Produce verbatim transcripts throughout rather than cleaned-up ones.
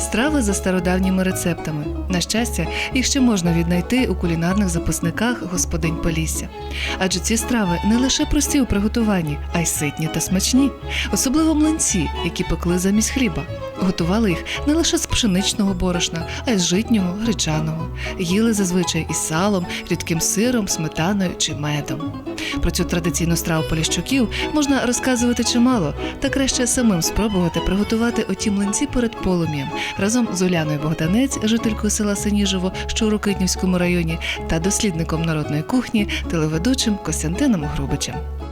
Страви за стародавніми рецептами. На щастя, їх ще можна віднайти у кулінарних записниках господинь Полісся. Адже ці страви не лише прості у приготуванні, а й ситні та смачні. Особливо млинці, які пекли замість хліба. Готували їх не лише з пшеничного борошна, а й з житнього, гречаного. Їли зазвичай із салом, рідким сиром, сметаною чи медом. Про цю традиційну страву поліщуків можна розказувати чимало, та краще самим спробувати приготувати оті млинці перед полум'ям разом з Уляною Богданець, жителькою села Синіжево, що у Рокитнівському районі, та дослідником народної кухні, телеведучим Костянтином Грубичем.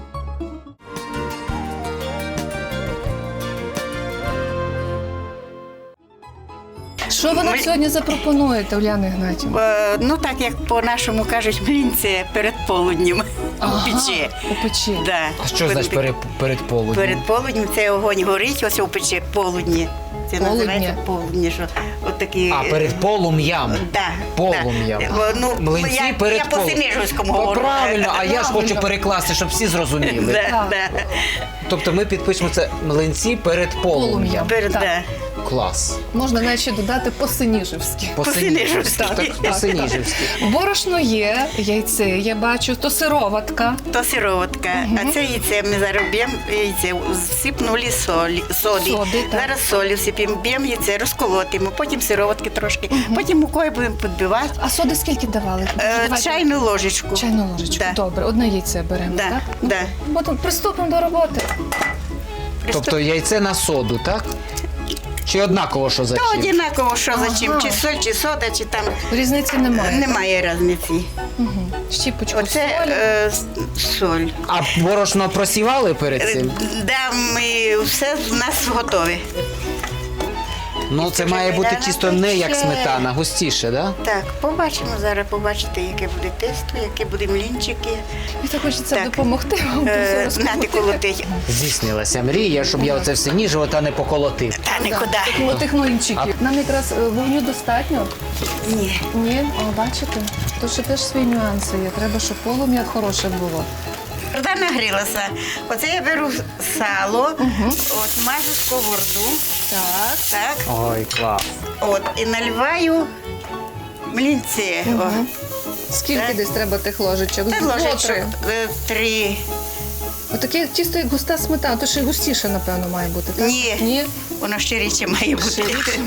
Що ви нам Ми- сьогодні запропонуєте, Уляна Ігнатівна? Е, Ну, так як по-нашому кажуть, млинці перед полуднем у печі. У печі. Да. А що значить перед, перед полуднем? Перед полуднем це огонь горить, ось у печі полудні. Це Полудня. називається полудні, що от такі... А, перед полум'ям? Да, Полум'ям. да. Ну, Млинці я, перед я по полум'ям. Синіжівському О, говорю. правильно, а я ж хочу Правильно. перекласти, щоб всі зрозуміли. Да, да. Тобто ми підпишемо це млинці перед полум'ям. Полум'ям. Перед, Так. да. Клас. Можна навіть ще додати по-синіжівськи. По-синіжівськи. Так, Так, по-синіжівськи. Борошно є, яйце, я бачу, то сироватка. То сироватка, а це яйце ми зараз б'ємо, яйце всипнули солі, солі. Соди, так. Зараз солі всипемо, б'ємо яйце, розколотимо, потім сироватки трошки, потім мукою будемо підбивати. А соди скільки давали? Е, Давайте. чайну ложечку. Чайну ложечку. Да. Добре, одне яйце беремо, Да, так? да. Потім приступимо до роботи. Тобто яйце на соду, так? Чи однаково, що за То чим? однаково, що за чим, Ага. чи соль, чи сода, чи там Різниці немає. немає різниці. Угу. Щіпочку Оце солі. е, с- соль. А борошно просівали перед Е, цим? Да, ми все в нас готове. Ну, це має бути тісто не як сметана, густіше, да? Так, побачимо зараз, побачите, яке буде тесто, які буде млінчики. Мені так хочеться Так. допомогти вам. Е, все Знати розколоти. колоти. Здійснилася мрія, щоб я оце все ніжого та не поколотив. Та Так, нікуди. таких- Тих млинчиків. Нам якраз е, вогню достатньо. Ні. Ні, о, бачите? Тут ще теж свої нюанси є. Треба, щоб полум'я хороше було. Вода нагрілася. Оце я беру сало, от мажу сковороду. Так. Так. Ой, клас. От, і наливаю млінці. О. Скільки Так. десь треба тих ложечок? Це Дві, ложечок три. е, три. Отаке тісто, як густа сметана, то ще й густіше, напевно, має бути, так? Ні. Ні? Воно ще рідше має бути. Ще рідше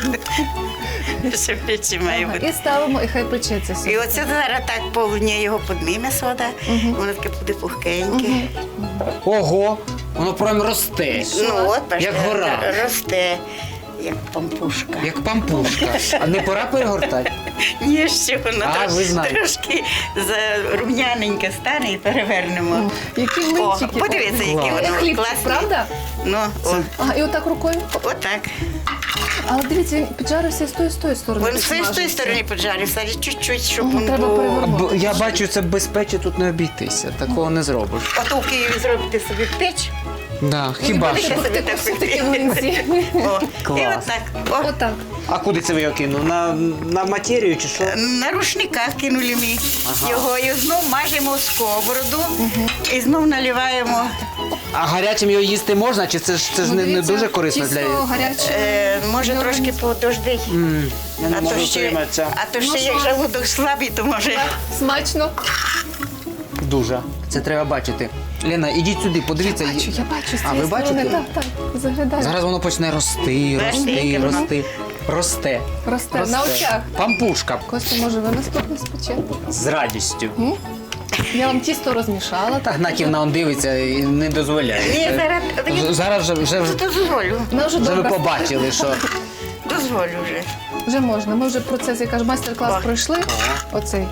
Ще рідше має Ага. бути. І ставимо, і хай печеться собі. І оце зараз так полудня його підніме сода, воно таке буде пухкеньке. Ого, воно прям росте. Ну от, бачите, Як гора. росте, як пампушка. Як пампушка. А не пора перегортати? Ні, ще воно А, трош- ви знаєте. трошки зарум'яненьке стане і перевернемо. Які О, млинчики. подивіться, які Клас. воно Як хлібчик, класні. правда? Ну, о, Ага, і отак рукою. отак. Але дивіться, він піджарився і з тої, з тої сторони. Він все з тої підсмажився. сторони поджарився, але чуть-чуть, щоб Ага, він треба був. перевернути. Бо я бачу, це без печі тут не обійтися. Такого не зробиш. Ото в Києві зробити собі печ. Да, хіба Будете що. собі пекти так все-таки пекти. млинці. О, і Клас. отак. О, Отак. А куди це ви його кинув? На, на матерію чи що? на рушниках кинули ми Ага. його і знов мажемо в сковороду і знов наливаємо. А гарячим його їсти можна, чи це ж це ж Ну, не, не дивіться, дуже корисно тісто для гаряче. Е, може Добре. трошки подожди. М, я не А можу то, ще, втриматися. а то ще Ну, як що? желудок слабий, то може. Смачно. Дуже. Це треба бачити. Лена, ідіть сюди, подивіться. Бачу, я бачу з А, цієї ви бачите? сторони. Так, так, заглядаю. Зараз воно почне рости, Бачите, рости, яке воно? рости. Росте. Росте на очах. Пампушка. Костя, може, ви наступне спечете? З радістю. Я вам тісто розмішала. Та Гнатівна он дивиться і не дозволяє. Ні, Це- зараз Вже- Зараз вже, вже, вже, дозволю. Вона вже вже ви добре. побачили, що Дозволю вже. Вже можна. Ми вже процес, я кажу, майстер-клас О. пройшли. Оцей.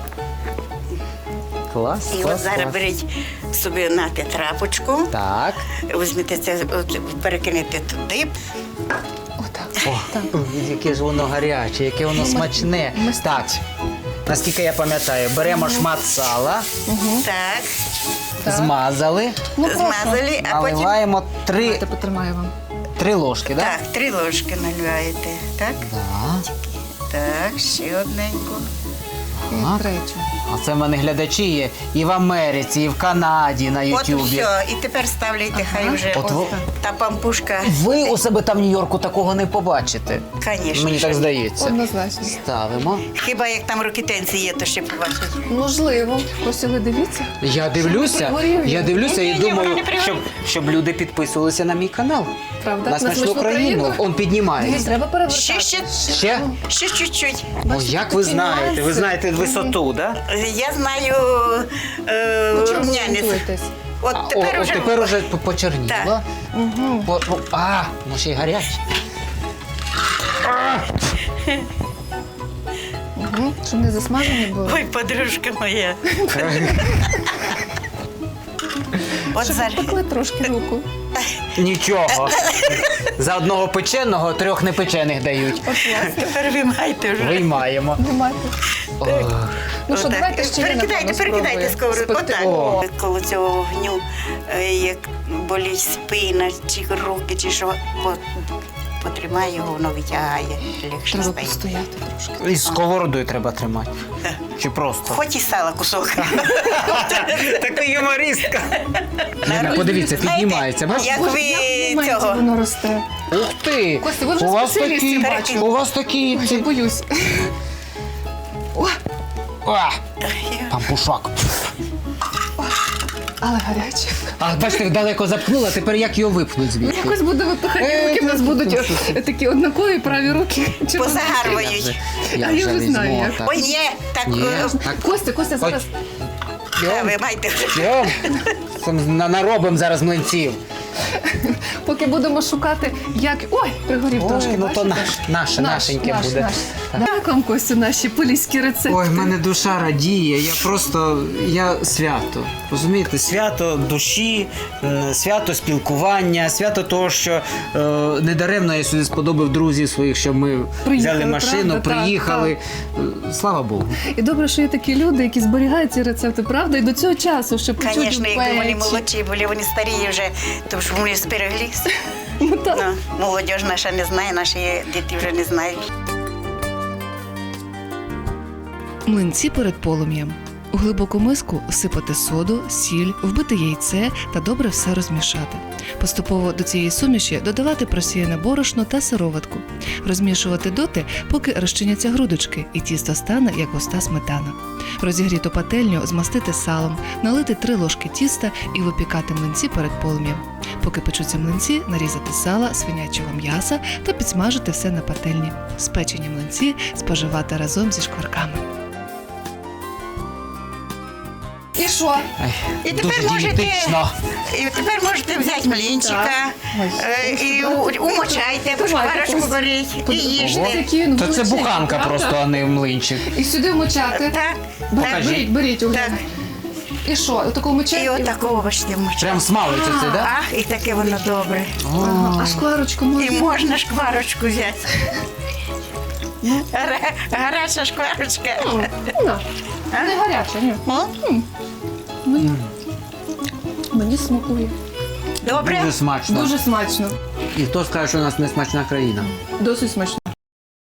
клас, І от клас, зараз клас. беріть собі нате трапочку, Так. візьмете це, от, перекинете туди. Отак. О, Так. яке ж воно гаряче, яке воно смачне. ми- Так, наскільки я пам'ятаю, беремо шмат сала, Так, Так. змазали, Ну, прошу. змазали, а потім наливаємо три, Давайте потримаю вам. три ложки, так? так, три ложки наливаєте. Так, Да? так, ще одненьку. Так. третю. А це в мене глядачі є і в Америці, і в Канаді на От і Ютубі. все. І тепер ставляйте, хай вже От ви- та пампушка. Ви у себе там в Нью-Йорку такого не побачите. Звісно. Мені так здається. Однозначно. Ставимо. Хіба як там рокітенці є, то ще побачать. Можливо. Ось ви дивіться. Я дивлюся, пригорів я він. дивлюся і Ні-ні-ні, думаю, воно не пригорів. щоб, щоб люди підписувалися на мій канал. Правда? На смачну країну. Он піднімається. Треба перевертати. Ще, ще, Ще? ще чуть-чуть. О, як ви знаєте? Ви знаєте висоту, так? Да? Я знаю е, Ну, чому ви рум'янець. орієнтуєтесь? От О, тепер о, уже тепер уже по- почерніло. Так. Угу. По- по- А, ну ще й гаряче. Угу. Щоб не засмажені були. Ой, подружка моя. От Щоб зараз. пекли трошки руку. Нічого. За одного печеного трьох непечених дають. От власне. Тепер виймайте вже. Виймаємо. Немає. Ох. Ну що, Отак. давайте ще перекидайте, перекидайте сковородку. Отак. О. Коло цього вогню, е, як болить спина, чи руки, чи що, по- потримай його, воно витягає. Легше Треба стає. постояти трошки. І сковородою треба тримати. Чи просто? Хоч і сала кусок. Така юмористка. Лена, подивіться, піднімається. Бачите? Як Боже, ви як в моменті цього? воно росте. Ух ти! Костя, ви вже у вас спеціалістів такі, бачите. у вас такі Ой, ці... я боюсь. О, А, пампушок. але гаряче. А бачите, далеко запхнула, тепер як його випнуть Ну, звідти? якось буде випихати Е, руки, в нас це будуть просто. е, такі однакові праві руки. Чи Позагарбують. Я А я вже вже знаю, візьму. як. так. Ой, ні, так, Ні, е, так. Костя, Костя, зараз. та, ви маєте вже. Йом, Сам на- наробимо зараз млинців. Поки будемо шукати, як. Ой, пригорів Ой, трошки. ну то бачите? наш, наше, Наш, нашеньке наш, буде. наш. Так. Дякую, Костю, наші поліські рецепти. Ой, в мене душа радіє, я просто, я свято. Розумієте, свято душі, м, свято спілкування, свято того, що е, недаремно я сюди сподобав друзів своїх, щоб ми Приїхали, взяли машину, правда? Так, приїхали. Е, Слава Богу. І добре, що є такі люди, які зберігають ці рецепти, правда? І до цього часу, щоб почути Звісно, якби вони печі. молодші були, вони старі вже, то ж вони збереглись. Ну, так. Ну, молодь наша не знає, наші діти вже не знають. Млинці перед полум'ям. У глибоку миску всипати соду, сіль, вбити яйце та добре все розмішати. Поступово до цієї суміші додавати просіяне борошно та сироватку. Розмішувати доти, поки розчиняться грудочки і тісто стане як густа сметана. Розігріту пательню змастити салом, налити три ложки тіста і випікати млинці перед полум'ям. Поки печуться млинці, нарізати сала, свинячого м'яса та підсмажити все на пательні. Спечені млинці споживати разом зі шкварками. І що? Ай, І дуже тепер можете, дієтично. і тепер можете взяти млінчика е, і у- умочайте, по шкварочку беріть і їжте. Який він То це величезний, буханка правда? просто, а не млинчик. І сюди вмочати. Так, Беріть, так. беріть, беріть, Уляна. Так. І що? Отаку вмочати? І отакого бачите вмочати. Прям смалиться це, так? Ах, і таке воно добре. Ага. А шкварочку можна? І можна шкварочку взяти. Гара- Гаряча шкварочка. Ну, не гаряча, ні. О, Мені, мені смакує. Добре? Дуже смачно. Дуже смачно. І хто скаже, що у нас не смачна країна? Досить смачно.